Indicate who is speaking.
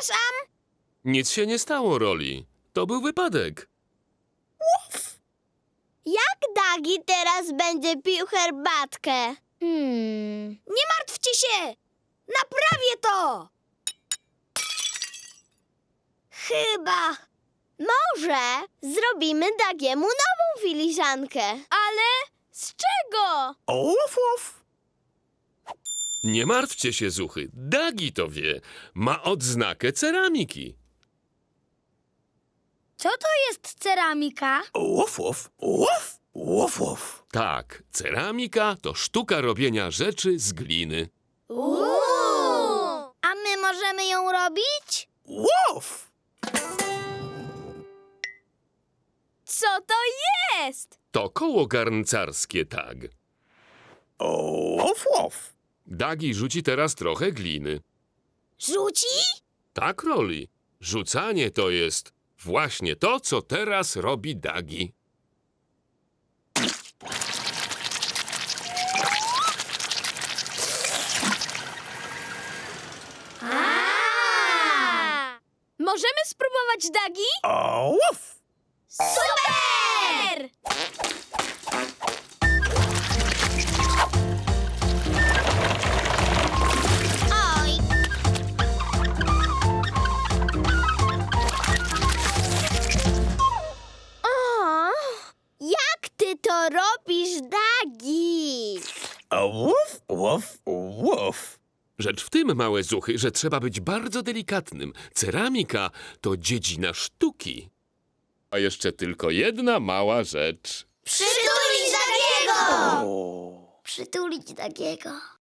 Speaker 1: Przepraszam.
Speaker 2: Nic się nie stało, Roli. To był wypadek.
Speaker 1: Jak Dagi teraz będzie pił herbatkę? Nie martwcie się! Naprawię to! Chyba. Może zrobimy Dagiemu nową filiżankę. Ale z czego?
Speaker 2: Nie martwcie się, Zuchy. Dagi to wie. Ma odznakę ceramiki.
Speaker 1: Co to jest ceramika?
Speaker 2: Tak, ceramika to sztuka robienia rzeczy z gliny.
Speaker 1: A my możemy ją robić? Co to jest?
Speaker 2: To koło garncarskie, tak. Dagi rzuci teraz trochę gliny.
Speaker 1: Rzuci?
Speaker 2: Tak, Roli. Rzucanie to jest właśnie to, co teraz robi Dagi.
Speaker 1: Możemy spróbować, Dagi? Super! Oj! O, jak ty to robisz, Dagi?
Speaker 2: Rzecz w tym, małe Zuchy, że trzeba być bardzo delikatnym. Ceramika to dziedzina sztuki. A jeszcze tylko jedna mała rzecz.
Speaker 1: Przytulić Dagiego! Przytulić Dagiego.